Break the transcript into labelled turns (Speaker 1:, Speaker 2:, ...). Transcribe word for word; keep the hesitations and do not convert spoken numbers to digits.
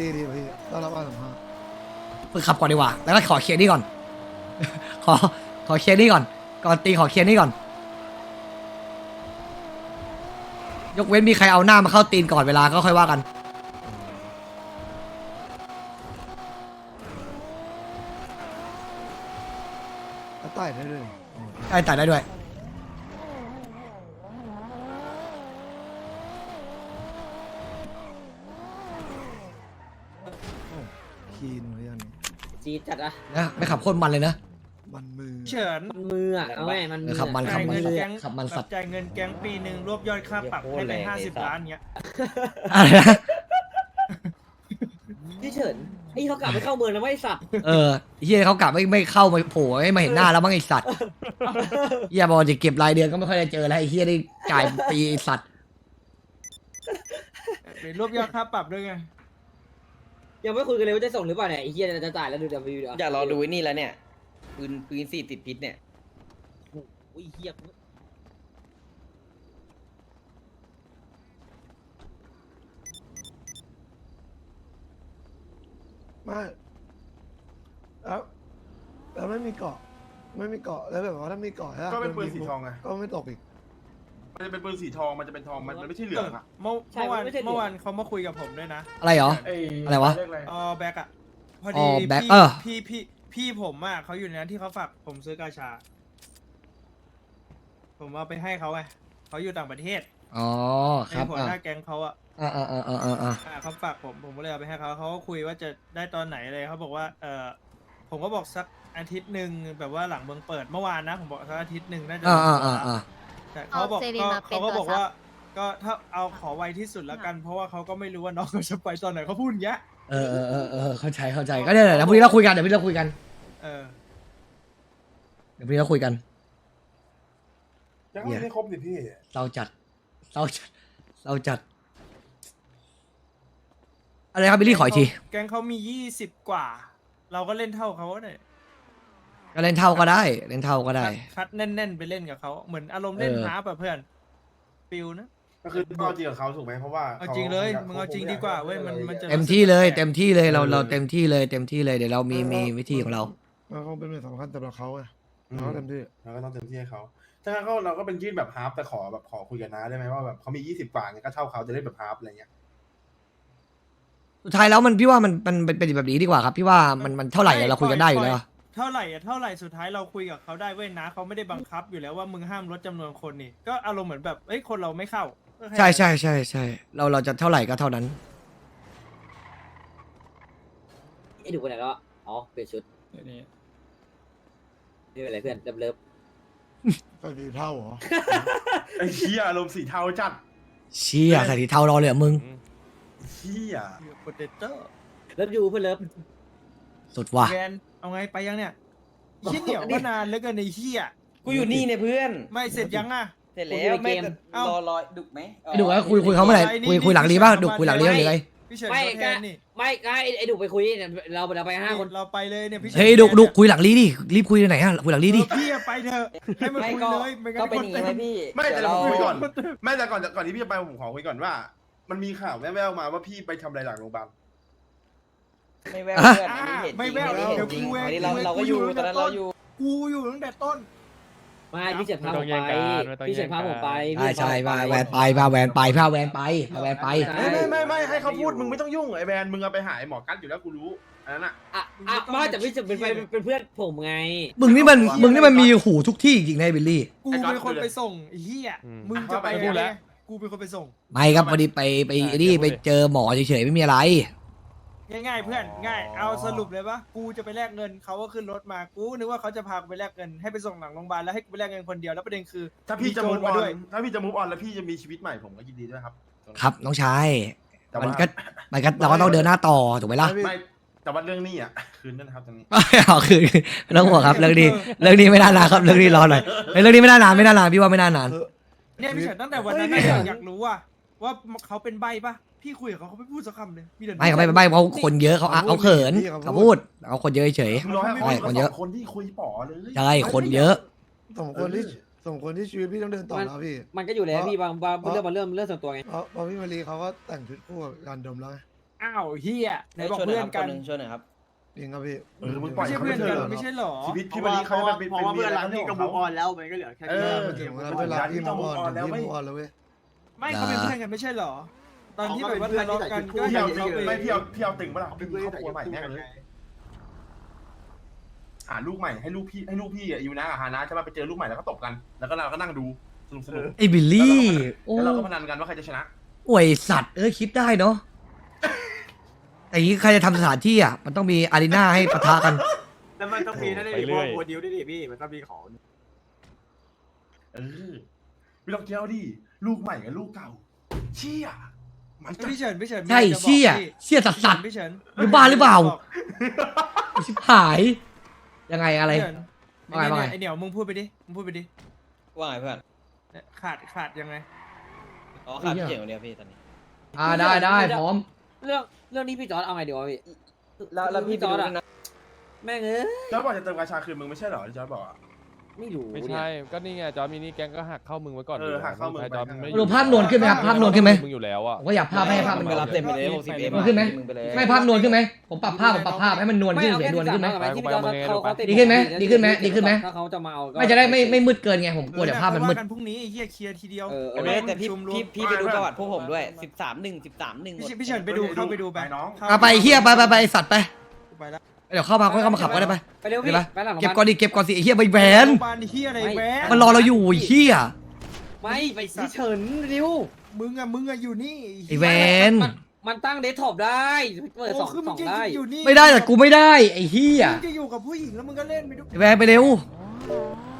Speaker 1: ตีดีพี่ต้อนรับการสัมภาษณ์
Speaker 2: ฝึกขับก่อนดีกว่าแล้วก็ขอเคลียร์นี่ก่อน ขอขอเคลียร์นี่ก่อนก่อนตีขอเคลียร์นี่ก่อนยกเว้นมีใครเอาหน้ามาเข้าตีนก่อนเวลาก็ค่อยว่ากัน
Speaker 1: แล้วต่อยได้เลย
Speaker 2: ได้แต่ได้ด้วย
Speaker 1: คีนเหมือนกัน
Speaker 3: จีดจัดอะ
Speaker 2: นะไม่ขับโคตรมันเลยนะ
Speaker 1: มันมือ
Speaker 4: เฉิน
Speaker 3: มันมืออะเอาไงมัน
Speaker 2: เออขับมัน
Speaker 4: จ่ายเงิน
Speaker 3: มือ
Speaker 4: แก๊ง
Speaker 2: ขับมันสัตว์
Speaker 4: จ่ายเงินแก๊งปีหนึ่งรวบยอดค่าปรับให้ไปห้าสิบล้านเงี้ย
Speaker 2: อะไรนะ
Speaker 3: พี่เฉินไอ้เขากลับไปเข้าเมืองแล้วไม่สัตว์
Speaker 2: เออเฮียเขากลับไม่ไม่เข้ามาโผล่ไม่มาเห็นหน้าแล้วมั้งไอสัตว์เฮียบอกจะเก็บรายเดือนก็ไม่ค่อยได้เจอแล้วไอเฮียได้จ่ายปีไอสัตว์
Speaker 4: เป็นรวบยอดค่าปรับด้วยไง
Speaker 3: ยังไม่คุยกันเลยว่าจะส่งหรือเปล่าเนี่ยไอ้เฮียจะจ่ายแล้วดูเดี๋ยววิวเดี๋ยว
Speaker 5: อยากรอดูไอ้นี่แล้วเนี่ยปืนปืนสี่ติดพิษเนี่ย
Speaker 3: อุ้ยเฮีย
Speaker 1: ไม่แล้วแล้วไม่มีเกาะ ไม่มีเกาะแล้วแบบว่าถ้ามีเกาะ
Speaker 6: ก็เป็นปืนสีทองไง
Speaker 1: ก็ไม่ตกอีก
Speaker 6: มันจะเป็นปืนสีทอง มันจะเป็นทอง มันมันไม่ใช่เหลืองอะ
Speaker 4: เมื่อเมื่อวานเมื่อวานเขามาคุยกับผมด้วยนะ
Speaker 2: อะไรเหรอ อะไรวะ
Speaker 6: เรียกอะไร
Speaker 4: อ๋อแบ็กอะพอ
Speaker 2: อ๋
Speaker 4: ดี
Speaker 2: อแบ็ค
Speaker 4: พี่
Speaker 2: เออ
Speaker 4: พี่พี่พี่ผมอะเขาอยู่ในนั้นที่เขาฝากผมซื้อกาชา ผมเอาไปให้เขาไงเขาอยู่ต่างประเทศ
Speaker 2: อ๋อค
Speaker 4: ใน
Speaker 2: รับ
Speaker 4: หัว
Speaker 2: อ่า
Speaker 4: หน้าแก๊งเขาอะ
Speaker 2: อ่าอ่าอ่าอ่าอ่า
Speaker 4: อ่าเขาฝากผมผมก็เลยเอาไปให้เขาเขาก็คุยว่าจะได้ตอนไหนเลยเขาบอกว่าเออผมก็บอกสักอาทิตย์หนึ่งแบบว่าหลังเมืองเปิดเมื่อวานนะผมบอกสักอาทิตย์หนึ่งน่าจะ
Speaker 2: อ่าอ่าอ่าอ่า
Speaker 4: แต่เขาบอก
Speaker 7: เอาเซรี
Speaker 4: ก็
Speaker 7: มาเป็น
Speaker 4: เขาก็บอก
Speaker 7: ตัวซับ
Speaker 4: ว่า ก็ถ้าเอาขอไวที่สุดแล้วกัน เพราะว่าเขาก็ไม่รู้ว่าน้องเขาจะไปตอนไหนเขาพูดอย่างเงี้ย
Speaker 2: เออเออเออเออเข้าใจเข้าใจก็เนี่ยแหละเดี๋ยวพรุ่งนี้เราคุยกันเดี๋ยวพรุ่งนี้เราคุยกัน
Speaker 4: เออ
Speaker 2: เดี๋ยวพรุ่งนี้เราคุยกัน
Speaker 6: ยังไม่ครบสิพี่
Speaker 2: เราจัดเราจัดเราจัดอะไรครับบิลลี่ขออีกที
Speaker 4: แก๊งเขามียี่สิบกว่า เราก็เล่นเท่าเขาเนี่ย
Speaker 2: ก็เล่นเท่าก็ได้เล่นเท่าก็ได้
Speaker 4: คัดแน่นๆไปเล่นกับเขาเหมือนอารมณ์เล่น
Speaker 2: เออ
Speaker 4: ฮาร์ปแบบเพื่อนฟิลนะ
Speaker 6: ก็คือต้องเอาจริงกับเขาถูกไหมเพราะว่า
Speaker 4: เอาจริงเลยมึงเอาจริงดีกว่าเว้ยมันมันจะ
Speaker 2: เต็มที่เลยเต็มที่เลยเราเราเต็มที่เลยเต็มที่เลยเดี๋ยวเรามีมีวิธีของเรา
Speaker 1: มันคงเป็นเรื่องสำคัญสำหรับเขาไง
Speaker 6: อืม
Speaker 1: เขาเต็มที่
Speaker 6: เราก็ต้องเต็มที่ให้เขาถ้างั้นก็เราก็เป็นยื่นแบบฮาร์ปแต่ขอแบบขอคุยกันนะได้ไหมว่าแบบเขามียี่สิบกว่าเนี่ยก็เท่าเขาจะได้แบบฮาร์ปอะไรเงี้ย
Speaker 2: สุดท้ายแล้วมันพี่ว่ามันมันเป็นเป็นแบบนี้ดีกว่าครับพี่ว่ามันมันเท่าไหร่อะเราคุยกันได้อยู่แล้ว
Speaker 4: เท่าไหร่อะเท่าไหร่สุดท้ายเราคุยกับเขาได้เว้ยนะเขาไม่ได้บังคับอยู่แล้วว่ามึงห้ามลดจำนวนคนนี่ก็อารมณ์เหมือนแบบเอ้ยคนเราไม่เข้าก็แค่
Speaker 2: ใช่ใช่ใช่ใช่เราเราจะเท่าไหร่ก็เท่านั้น
Speaker 3: ไอ้ดูไปไหนแล้วอะอ๋อเปลี่ยนชุดไม่เป็นไรเพื่อนเลิฟเลิฟ
Speaker 1: ก็ดีเท่าเหรอ
Speaker 6: ไอ้เหี้ยอารมณ์สีเทาจัด
Speaker 2: เชี่ยใส่สีเทารอเลยเหรอมึง
Speaker 6: เหี้ย
Speaker 4: โปเตโต้
Speaker 3: เลิฟยูเพื่อนเลิฟ
Speaker 2: สุดว่ะ
Speaker 4: แวนเอาไงไปยังเนี่ยเหี้ยเหนียวมานานเหลือเกินในเหี้ย
Speaker 5: กูอยู่นี่เนี่ยเพื่อน
Speaker 4: ไม่เสร็จยังอ่ะ
Speaker 5: เสร็จแล้วไม่แต่
Speaker 4: เอ้า
Speaker 5: รอรอดุกไหม
Speaker 2: ไอ้ดุว่าคุยคุยเขาเมื่อไหร่คุยคุยหลังรีบ้างดุคุยหลังรีบ้างหรือไง
Speaker 4: พี่เฉิน
Speaker 3: ไม่
Speaker 4: เขาแท
Speaker 3: ก็
Speaker 4: นนี่
Speaker 3: ไม่ก็ไอ้ไอ้ดูไปคุยเนี่ยเราเราไปห้าคน
Speaker 4: เราไปเลยเนี่ยพี่ฉิน
Speaker 2: เฮ้ยดุดุคุยหลังรีดิรีบคุยไหนฮะคุยหลังรีดิ
Speaker 4: เออพี่อะไปเถอะให้มัน
Speaker 5: ไม่
Speaker 4: คุย
Speaker 5: ก็
Speaker 4: เลยไม่งั้น
Speaker 5: ก็เป็นอย่างงี้ไหมพี่
Speaker 6: ไม่แต่
Speaker 5: เดี๋ยว
Speaker 6: ผม
Speaker 5: เรา
Speaker 6: คุยก่อนไม่แต่ก่อนก่อนที่พี่จะไปผมขอคุยก่อนว่า มันมีข่าวแว่วๆมาว่าพี่ไปทำอะไรหลังโรงพยาบาล
Speaker 5: ไม่แววเพื่อนอันนี้เห็นจ
Speaker 4: ไม่
Speaker 5: ริง
Speaker 4: แวว
Speaker 5: อันนี้เห็นจริง
Speaker 4: เดี๋ยวกู
Speaker 5: อันนี้เรา
Speaker 4: เอง
Speaker 5: เราก็อยู่
Speaker 4: กูอยู่
Speaker 5: ตอนนั้นเราอยู่
Speaker 4: กูอยู่ตั้งแต่ต้น
Speaker 3: ไม่พี่เฉินพาผม
Speaker 8: ไม่
Speaker 3: ไป
Speaker 8: ต้องแย่งกันไม่ต้อง
Speaker 3: พี่เฉินพาผมไป
Speaker 2: ใช่
Speaker 3: พี่
Speaker 2: ใช่
Speaker 3: พา
Speaker 2: พา
Speaker 3: ผม
Speaker 2: แวนไปพาแวนไปพาแวนไปพาแวนไป
Speaker 6: ไม่ไม่ไม่ไม่ให้เขาพูดมึงไม่ต้องยุ่งไอ้แบรนด์มึงเอาไปหาไอ้หมอกัดอยู่แล้วกูรู้อันนั้นอะ
Speaker 3: อ่ะอ่ะไม่แต่พี่เฉินเป็นไปเป็นเพื่อนผมไง
Speaker 2: มึงนี่มันมึงนี่มันมีหูทุกที่จริงๆนะบิลลี่
Speaker 4: กูเป็นคนไปส่งไอ้เหี้ย
Speaker 8: อืม
Speaker 4: มึงจะไป
Speaker 6: อ่ะ
Speaker 4: ยังไงกูเป็นคนไปส่ง
Speaker 2: ไม่ครับพอดีไปไปไอ้นี่ไปเจอหมอเฉยๆไม่มีอะไร
Speaker 4: ง่ายๆเพื่อนง่ายเอาสรุปเลยปะกูจะไปแลกเงินเขาก็ขึ้นรถมากูนึกว่าเขาจะพากูไปแลกเงินให้ไปส่งหลังโรงพยาบาลแล้วให้กูไปแลกเงินคนเดียวแล้วประเด็นคือ
Speaker 6: ถ้าพี่จะ
Speaker 4: โจ
Speaker 6: มู
Speaker 4: ร
Speaker 6: ฟอ
Speaker 4: มา
Speaker 6: อน
Speaker 4: ด้วย
Speaker 6: ถ้าพี่จะมูฟออนแล้วพี่จะมีชีวิตใหม่ผมก็ยินดีด้วยครับ
Speaker 2: ครับน้องชาย
Speaker 6: แต่
Speaker 2: มัน
Speaker 6: ว่า
Speaker 2: ก็มันก็เราก็ต้องเดินหน้าต่อถูกไหมล่ะ
Speaker 6: ไม่แต่ว่าเรื่องนี้อ่ะคืนด้วยนะครับตรงนี้
Speaker 2: ไม่เอาคือไม่ต้องห่วงครับเรื่องนี้เรื่องนี้ไม่น่านานครับเรื่องนี้รอหน่อยเฮ้ยเรื่องนี้ไม่น่านานไม่น่านานพี่ว่าไม่น่านาน
Speaker 4: เนี่ยพี่เฉินตั้งแต่วันนั้นน่ะอยากรู้ว่าว่าเขาเป็นใบปะพี่คุยกับเขาเขาไม่พูดสักคำเลยมีแต่
Speaker 2: ไม่เขาไม่ไม่เขาคนเยอะเขาเขาเขินเขาพูดเขาคนเยอะเฉย
Speaker 6: มึงรอให้
Speaker 2: ใช่
Speaker 6: ค
Speaker 2: คน
Speaker 6: น
Speaker 2: เย
Speaker 6: เย
Speaker 2: อะ
Speaker 6: อะคนที่คุยป๋อเลย
Speaker 2: ใช่คนเยอะ
Speaker 1: สมควรที่สมควรที่ชีวิตพี่ต้องเดินต่อแล้วพี่
Speaker 3: มันก็อยู่แล้วพี่บางบางเรื่องบางเรื่องเรื่องส่วนตัวไง
Speaker 1: เพราะเพราะพี่มารีเขาก็แต่งชุดคู่กับการดมแล้วไง
Speaker 4: อ้าวเฮียไหนบอก
Speaker 5: ช่วยห
Speaker 4: เพื่
Speaker 5: ย
Speaker 4: อน
Speaker 5: ค
Speaker 4: กั
Speaker 5: รับ
Speaker 4: น
Speaker 5: คหงช่วยหน่อยครับ
Speaker 1: จริงครับพี่
Speaker 6: เออมึงปล่
Speaker 4: ไม่
Speaker 6: อย
Speaker 4: ใช่
Speaker 6: เขา
Speaker 4: เพื่อนกัน
Speaker 6: ไปเถอะ
Speaker 4: ไม่ใช่หรอ
Speaker 6: ชีวิต
Speaker 7: เพ
Speaker 6: พี่
Speaker 7: ราะ
Speaker 6: วัน
Speaker 7: ว่า
Speaker 6: นี้
Speaker 7: เพ
Speaker 6: เขา
Speaker 7: ราะ
Speaker 6: จะ
Speaker 7: ว่า
Speaker 6: เป็น
Speaker 7: เพราะว่าเพื่อนรัก
Speaker 6: เรื่
Speaker 7: พี่
Speaker 6: อง
Speaker 7: ก็
Speaker 6: ของ
Speaker 7: มู
Speaker 6: เขา
Speaker 7: ออนแล้วมันก็เหลือแค่
Speaker 6: เอ
Speaker 7: นี้
Speaker 6: อ
Speaker 1: มันถึงเวลาเวลาที่มองอ่อนเดี๋ยวพี่มองอ่อนแล้วเว้ย
Speaker 4: ไม่เขาเป็นเพื่อนกันไม่ใช่หรอ ตอนที่แบบว่าทะเลาะกันก็
Speaker 6: พี่
Speaker 4: เห็
Speaker 6: เอา
Speaker 4: นเขาไป
Speaker 6: ไม่พี่เอาพี่เอาตึงปะล่ะ
Speaker 7: เป็
Speaker 6: พี่
Speaker 7: น
Speaker 6: มี
Speaker 7: เพื่อน
Speaker 6: ครอบครัวใหม่แม่งเลยหาลูกใหม่ให้ลูกพี่ให้ลูกพี่อ่ะอยู่นะกับฮานะจะมาไปเจอลูกใหม่แล้วก็ตบกัน แล้วก็เราก็นั่งดูสนุกสนุก
Speaker 2: ไอ้บิลลี่โอ้
Speaker 6: แล้วเราก็พนันกันว่าใครจะชนะ
Speaker 2: โอ้ยสัตว์เอ้ยคิดได้เนาะแต่อย่างนี้ใครจะทำสถานที่อ่ะมันต้องมีอารีนาให้ปะทะกัน
Speaker 7: แล้วมันต้องมีนั่นดิพวกโมดิวด้วยดิพี่มันต้องมีของ
Speaker 6: เออไม่ต้องเจ้าดิลูกใหม่กับลูกเก่า เชี่ยมันจะ
Speaker 4: พี่เฉินพี่เฉิน
Speaker 2: ใช่เชี่ยเชี่ยสัตว์สัตว์
Speaker 4: พี่เฉิน
Speaker 2: หรือบ้าหรือเปล่า ชิบหาย ยังไงอะไร
Speaker 4: พี่เฉิน
Speaker 2: ว่าไงว่าไง
Speaker 4: ไอเหนียวมึงพูดไปดิมึงพูดไปดิ
Speaker 5: ว่าไงเพื่อน
Speaker 4: เนี่ยขาดขาดยังไง
Speaker 5: อ๋อขาดพี่เจ๋งคนเดียวพี่ตอนนี้
Speaker 2: อ่าได้ได้พร้อม
Speaker 3: เรื่องเรื่องนี้พี่จอร์ดเอาไงดีวะพี่
Speaker 5: แล้วแล้วพี่
Speaker 3: จอร์ด
Speaker 5: ไปดู
Speaker 3: อะ
Speaker 5: ด้วยนะ
Speaker 3: แม่งเอ้ย
Speaker 6: จอร์จบอกจะเติมกาชาคืนมึงไม่ใช่เหรอที่จอร์จบอกอะ
Speaker 3: ไม่รู้
Speaker 8: ไม่
Speaker 3: เนี่ย
Speaker 8: ใช่ ก็นี่ไงจอร์จมินี่แก๊งก็หักเข้ามึงไว้ก่อน
Speaker 6: เออหักเข้ามึง
Speaker 8: ใช่
Speaker 6: ไป
Speaker 8: จอร์จไม่
Speaker 2: ดูภาพนวลขึ้นไหมครับภาพนวลขึ้นไหม
Speaker 8: มึงอยู่แล้วอ่ะ
Speaker 2: ผมก็อยากภาพให้ภาพมัน
Speaker 5: ไปรับเต็มไปเลยหกสิบเอ็ม
Speaker 2: มันขึ้นไหม
Speaker 5: มึงไปเลย
Speaker 2: ไม่ภาพนวลขึ้นไหมผมปรับภาพผมปรับภาพให้มันนวลขึ้น
Speaker 3: เอา
Speaker 2: เสีย
Speaker 3: แค่
Speaker 2: นวลขึ้นไหม
Speaker 3: สิบสาที่พี่จอร์ดเขาเขาติ
Speaker 2: ดีขึ้นไหมดีขึ้นไหมดีขึ้นไหม
Speaker 3: ถ้าเขาจะมาเอาก็
Speaker 2: ไม่จะได้ไม่ไม่มืดเกินไงผมกลัวเดี๋ยวภาพมันมืด
Speaker 4: เออเยค่อยว่ากันพรุ่งนี้ไอ้เหี้ยเคลียร์ทีเดียว
Speaker 3: เออเอ
Speaker 5: เอ
Speaker 3: อ
Speaker 5: อแต่พี่
Speaker 4: ชุมรวม
Speaker 5: พี่พี่ไปดูประวัติพวกผมด้วยสิบสามหนึ่งสิบสามหนึ่ง
Speaker 4: พี่เฉินพี่เฉินไปดูเข้าไปดูไป
Speaker 6: น้อง
Speaker 2: เอาไปเฮียไปไปไปไอ้สัตว์ไป
Speaker 4: ไปแล้ว
Speaker 2: เดี๋ยวเข้ามาค่อยเข้ามาขับก็ได้ไป
Speaker 3: ไปเร็ว
Speaker 2: เดี๋
Speaker 3: พี่
Speaker 2: ยวนะ
Speaker 3: ไปหลังโรงพ
Speaker 2: เก็บ
Speaker 3: ยา
Speaker 2: ก่อน
Speaker 3: บาล
Speaker 2: ดิเก็บก่อนสิไอ้เฮียใบแหวน
Speaker 4: โรงพยาบาลเหี้ยอะไรแหวน
Speaker 2: มันรอเราอยู่ไอ้เฮีย
Speaker 3: ไม่ไปพี่เฉินเร็ว
Speaker 4: มึงอะมึงอะอยู่นี่
Speaker 2: ไอ้แหวน
Speaker 3: มันมันตั้งเดสก์ท็อปได้เปิดสอง
Speaker 4: โคือ
Speaker 3: ส
Speaker 4: มึ
Speaker 3: อง ง
Speaker 4: จะ
Speaker 3: ได้
Speaker 4: อยู่นี่
Speaker 2: ไม่ได้แต่กูไม่ได้ไอ้เฮีย
Speaker 4: มึงจะอยู่กับผู้หญิงแล้วมึงก็เล่นไปด้วย
Speaker 2: ไอ้แหวนไปเร็ว
Speaker 4: ไ